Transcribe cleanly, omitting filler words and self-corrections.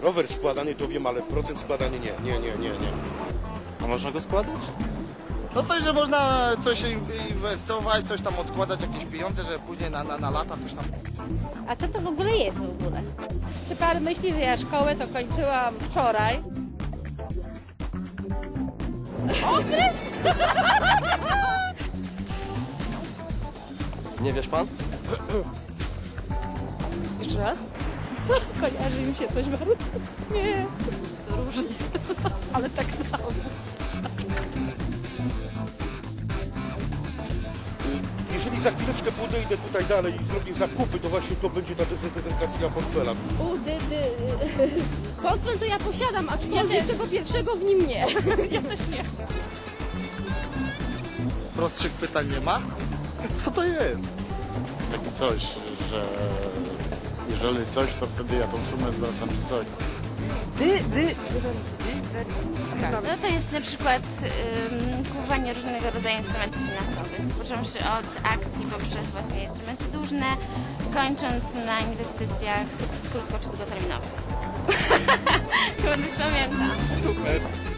Rower składany to wiem, ale procent składany nie. A można go składać? No coś, że można coś inwestować, coś tam odkładać, jakieś pieniądze, że później na lata coś tam. A co to w ogóle jest w ogóle? Czy pan myśli, że ja szkołę to kończyłam wczoraj? Okres? Nie wiesz pan? Jeszcze raz? Kojarzy mi się coś bardzo. Nie. Różnie. Ale tak dało. Jeżeli za chwileczkę podejdę tutaj dalej i zrobię zakupy, to właśnie to będzie ta dezynfekacja portfela. Portfel to ja posiadam, aczkolwiek tego pierwszego w nim nie. Ja też nie. Prostszych pytań nie ma? Co to jest? Takie coś, że jeżeli coś, to wtedy ja tą sumę zwracam czy coś. No to jest na przykład kupowanie różnego rodzaju instrumentów finansowych, począwszy od akcji poprzez właśnie instrumenty dłużne, kończąc na inwestycjach krótko czy długoterminowych. Chyba też pamiętam. Super.